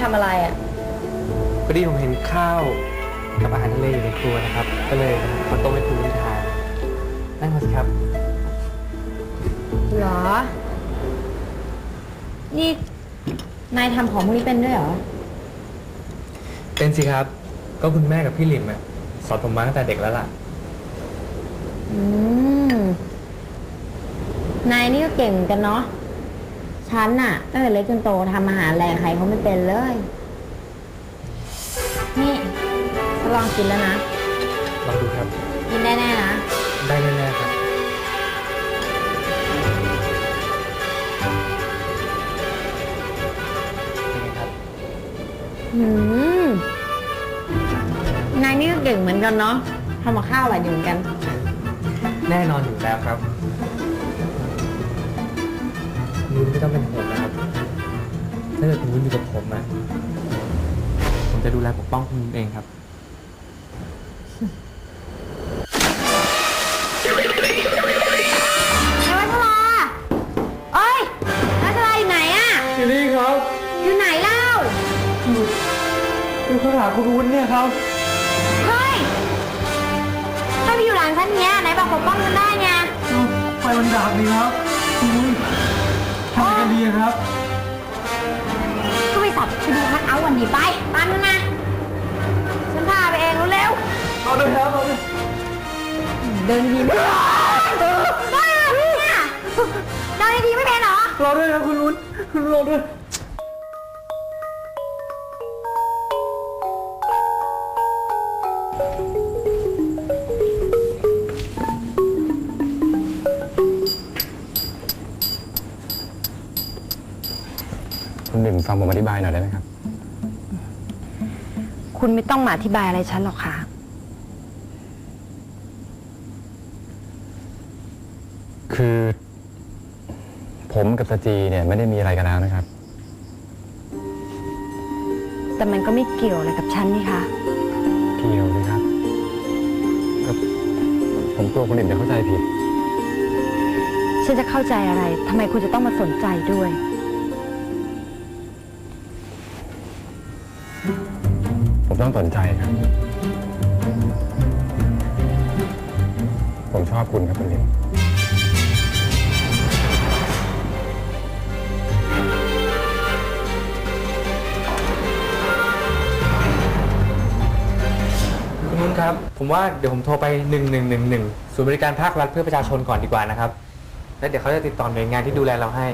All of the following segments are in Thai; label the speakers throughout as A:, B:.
A: ทำอะไรอ่ะ
B: พอดีผมเห็นข้าวกับอาหารทะเลอยู่ในครัวนะครับก็เลยมาต้มให้คุณทานนั่งก่อนสิครับ
A: หรอนี่นายทำของพวกนี้เป็นด้วยเหรอ
B: เป็นสิครับก็คุณแม่กับพี่หลิมสอนผมมาตั้งแต่เด็กแล้วล่ะ
A: นายนี่ก็เก่งเหมือนกันเนาะฉันน่ะตั้งแต่เล็กจนโตทำอาหารแรงใครเขาไม่เป็นเลยนี่จะลองกินแล้วนะ
B: ลองดูครับ
A: กินได้แน่นะ
B: ได้แน่ๆครับเป็นไงครับ
A: นายนี่ก็เก่งเหมือนกันเนาะทำกับข้าวอร่อยดีเหมือนกัน
B: แน่นอนอยู่แล้วครับนุ้นไม่ต้องเป็นห่วงนะครับถ้าเกิดคุณนุ้นอยู่กับผมผมจะดูแลปกป้องคุณนุ้นเองครับ
A: นายวัชราเอ้ยวัชราอยู่ไหนอะ
B: อยู่นี่ครับ
A: อยู่ไหนเล่า
B: อยู่ข้างหลังคุณนุ้นเนี่ยครับ
A: เฮ้ยถ้าพี่อยู่หลังฉันเนี้ยไหนบอกปกป้องฉันได้ไง
B: ไฟมันดับนี่ครับคุณนุ้นทำไงกันดีครับ
A: ก็ไปสับไปดูคัทเอาท์วันนี้ไปตามฉันมาฉันพาไปเองเร็ว
B: เอาเลยครับเอาเลย
A: เดินดีไม่บ้าเนี่ยเดินดีไม่เป็นเหรอ
B: รอด้วยครับคุณนุ้นคุณรอด้วย
C: คุณหนึ่งฟังผมอธิบายหน่อยได้ไหมครับ
A: คุณไม่ต้องมาอธิบายอะไรฉันหรอกค่ะ
C: คือผมกับสจีเนี่ยไม่ได้มีอะไรกันแล้วนะครับ
A: แต่มันก็ไม่เกี่ยวอะไรกับฉันนี่คะ
C: เกี่ยวเลยครับก็ผมกลัวคนอื่นจะเข้าใจผิด
A: ฉันจะเข้าใจอะไรทำไมคุณจะต้องมาสนใจด้วย
C: ผมต้องสนใจครับผมชอบคุณครับคุณลิน
B: คุณนุ้นครับผมว่าเดี๋ยวผมโทรไป1111ศูนย์บริการภาครัฐเพื่อประชาชนก่อนดีกว่านะครับแล้วเดี๋ยวเขาจะติดต่อหน่วยงานที่ดูแลเราให้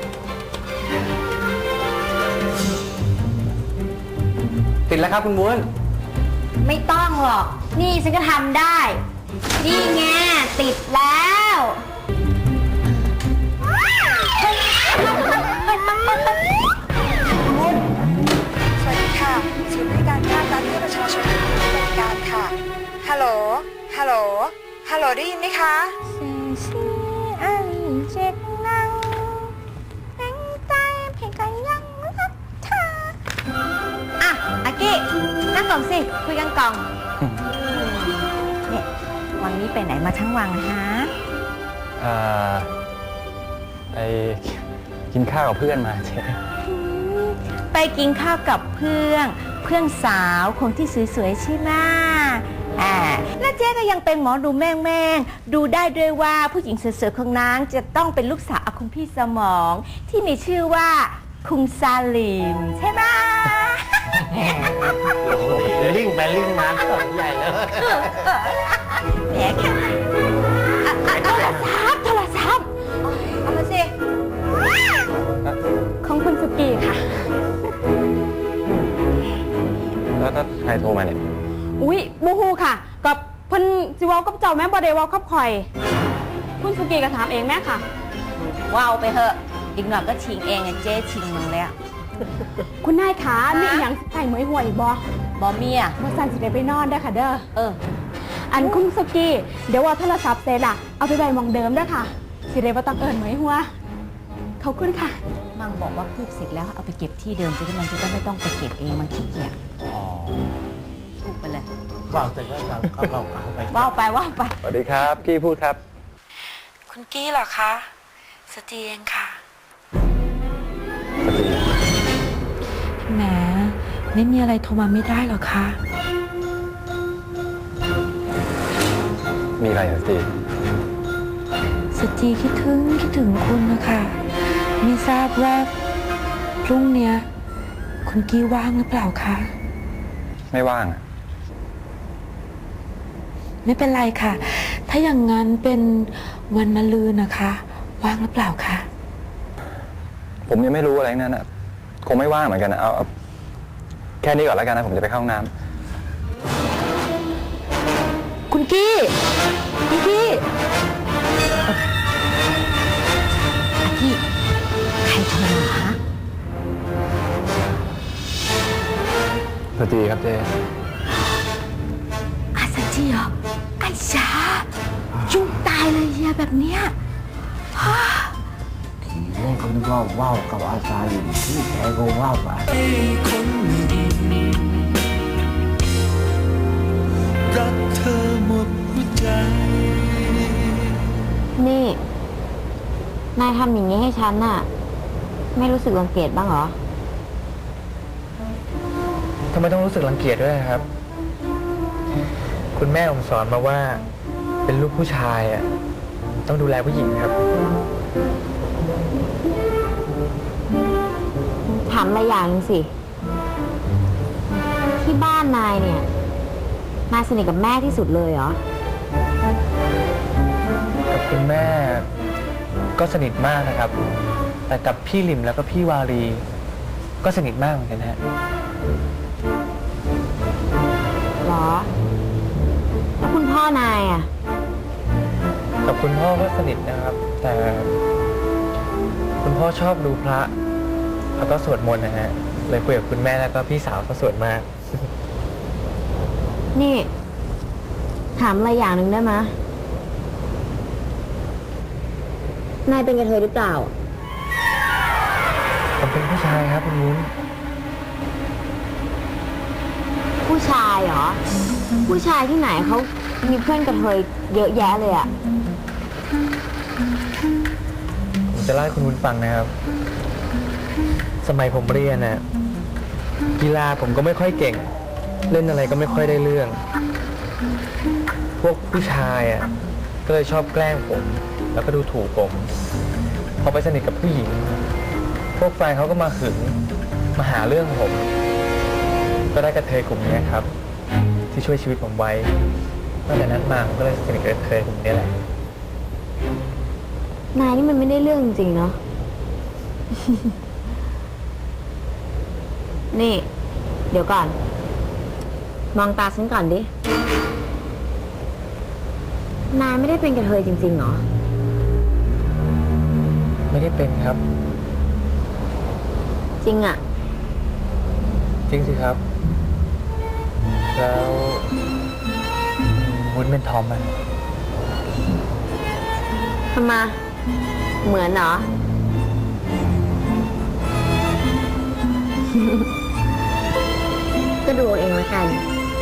B: ติดแล้วครับคุณม้วน
A: ไม่ต้องหรอกนี่ฉันก็ทำได้นี่ไงติดแล้ว
D: สวัสดีค่ะศูนย์บริการภาครัฐเพื่อประชาชนบริการค่ะฮัลโหลฮัลโหลฮัลโหลได้ยินไหมคะ
A: อ่ะอากี้นั่งก่อนสิคุยกันก่อนเนี่ยวันนี้ไปไหนมาทั้งวันฮะ
C: ไปกินข้าวกับเพื่อนมาเจ๊
A: ไปกินข้าวกับเพื่อนสาวคนที่สวยๆใช่ไหมแล้วเจ๊ก็ยังเป็นหมอดูแม่งดูได้ด้วยว่าผู้หญิงสวยๆของนางจะต้องเป็นลูกสาวของคุณพี่สมองที่มีชื่อว่าคุณซาลิมใช่ไหม
B: ลิงไปลิงมาสนใหญ่เลย
A: แหมแค่โทรศัพท์เอามาสิของคุณสุกี้ค่ะ
C: แล้วถ้าใครโทรมาเนี่ย
E: อุ๊ยบูฮูค่ะกับเพิ่นสิเว้ากับเจ้าแม่บ่ได้เว้ากับข่อยคุณสุกี้ก็ถามเองแม่ค่ะ
A: ว้าวไปเถอะอีกหน่อยก็ชิงเองเจ๊ชิงมึงแล้ว
E: คุณนายขามีหยังใส่หมวยห่วย
A: บ่เมีย
E: บ่สั่นสิได้ไปนอนเด้อค่ะเด้ออันคุณสุกี้เดี๋ยวว่าโทรศัพท์เสร็จล่ะเอาไปไว้หม่องเดิมเด้อค่ะสิได้บ่ต้องเอิ้นหมวยหัวขอบคุณค่ะ
A: มังบอกว่าพูดเสร็จแล้วเอาไปเก็บที่เดิมจะได้มันจะไม่ต้องไปเก็บเองมันขี้เกียจพูดไปเลย
B: ว่าวเสร็จแล้วเราเอาไป
A: ว่าวไป
C: สวัสดีครับกี้พูดครับ
D: คุณกี้เหรอคะสจีเองค่ะ
C: สจี
A: แหม
F: ไม่มีอะไรโทรมาไม่ได้หรอคะ
C: มีอะไรเหรอจี
F: สจีคิดถึงคุณนะคะไม่ทราบว่าพรุ่งเนี้ยคุณกี้ว่างหรือเปล่าคะ
C: ไม่ว่างอะ
F: ไม่เป็นไรค่ะ ถ้าอย่างนั้นเป็นวันมะรืนนะคะ ว่างหรือเปล่าคะ
C: ผมยังไม่รู้อะไรทั้งนั้นอะคงไม่ว่างเหมือนกันนะเอาแค่นี้ก่อนแล้วกันนะ ผมจะไปเข้าห้องน้ำ
F: คุณกี้คุณกี้
A: อากี้ใครโทรมาคะ
C: สวัสดีครับเจ
A: อาสจีเหรอไอ้ชายุ่งตายเลยเฮียแบบเนี้ย
G: แม่คนก็ว่าวกับอาจารย์อยู่ที่แกก็ว่าวไป
H: รักเธอหมดหัวใจ
I: นี่ นายทำอย่างนี้ให้ฉันน่ะ ไม่รู้สึกรังเกียจบ้างเหรอ
B: ทำไมต้องรู้สึกรังเกียจด้วยครับ คุณแม่ผมสอนมาว่าเป็นลูกผู้ชายอ่ะต้องดูแลผู้หญิงครับ
I: ถามอะไรอย่างหนึงสิ ที่บ้านนายเนี่ย นายสนิทกับแม่ที่สุดเลยเหรอ
B: กับคุณแม่ก็สนิทมากนะครับ แต่กับพี่ลิมแล้วก็พี่วารีก็สนิทมากเหมือนกันฮะ
I: เหรอ แล้วคุณพ่อนายอ่ะ
B: กับคุณพ่อก็สนิทนะครับ แต่คุณพ่อชอบดูพระแล้วก็สวดมนต์นะฮะเลยคุยกับคุณแม่แล้วก็พี่สาวก็สวดมาก
I: นี่ ถามอะไรอย่างหนึ่งได้ไหมยนายเป็นกระเทยหรือเปล่า
B: ผมเป็นผู้ชายครับคุณวุ้น
I: ผู้ชายเหรอ ผู้ชายที่ไหนเขามีเพื่อนกระเทยเยอะแยะเลยอะ
B: ผมจะเล่าให้คุณวุ้นฟังนะครับ สมัยผมเรียนน่ะกีฬาผมก็ไม่ค่อยเก่ง เล่นอะไรก็ไม่ค่อยได้เรื่อง พวกผู้ชายอ่ะก็เลยชอบแกล้งผม แล้วก็ดูถูกผมพอไปสนิทกับผู้หญิง พวกแฟนเขาก็มาหึงมาหาเรื่องผม ก็ได้กระเทยกลุ่มนี้ครับ ที่ช่วยชีวิตผมไว้ตั้งแต่นั้นมาผมก็เลยสนิทกับกระเทยกลุ่มนี้แหละ
I: นายนี่มันไม่ได้เรื่องจริงๆเนาะ นี่ เดี๋ยวก่อน มองตาฉันก่อนดิ นายไม่ได้เป็นกระเทยจริงๆเหรอ
B: ไม่ได้เป็นครับ
I: จริงอะ
B: จริงสิครับ แล้ววุ้นเป็นทอมไหม
I: ทำไมเหมือนเหรอ ก็ดูเอาเองแล้วกัน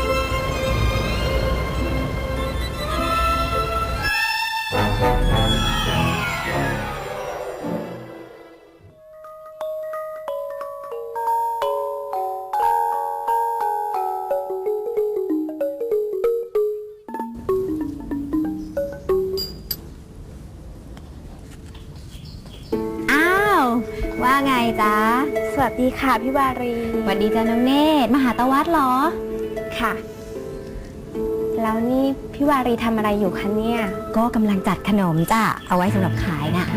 I: อ้าว ว่าไงจ๊ะ
E: สวัสดีค่ะพี่วารี
I: สวัสดีจ้าน้องเนตรมาหาตาวัดเหรอ
E: ค่ะ แล้วนี่พี่วารีทำอะไรอยู่คะเนี่ย
I: ก็กำลังจัดขนมจ้ะ เอาไว้สำหรับขายน่ะ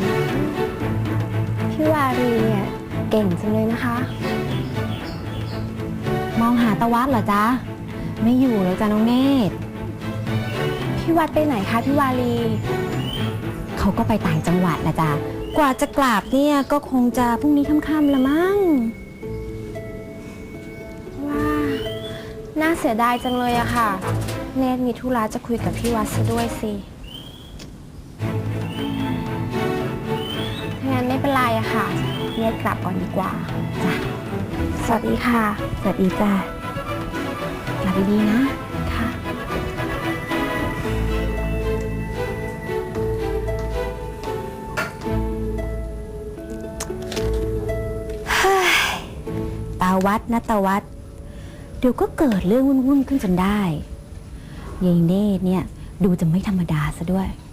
E: พี่วารีเนี่ยเก่งจังเลยนะคะ
I: มองหาตาวัดเหรอจ๊ะ ไม่อยู่แล้วจ้าน้องเนตร
E: พี่วัดไปไหนคะพี่วารี
I: เขาก็ไปต่างจังหวัดละจ้ะ กว่าจะกลับเนี่ยก็คงจะพรุ่งนี้ค่ำๆละมั้ง
E: ว่าน่าเสียดายจังเลยอะค่ะ เนตรมีธุระจะคุยกับพี่วัดซะด้วยสิถ้างั้นไม่เป็นไรอะค่ะ เนตรกลับก่อนดีกว่าจ้ะสวัสดีค่ะ
I: สวัสดีจ้ะกลับดีๆนะ
E: ค่ะ
I: ตา
E: วัดนัตวัดเดี๋ยวก็เกิดเรื่องวุ่นๆขึ้นจนได้ยายเนตรเนี่ยดูจะไม่ธรรมดาซะด้วย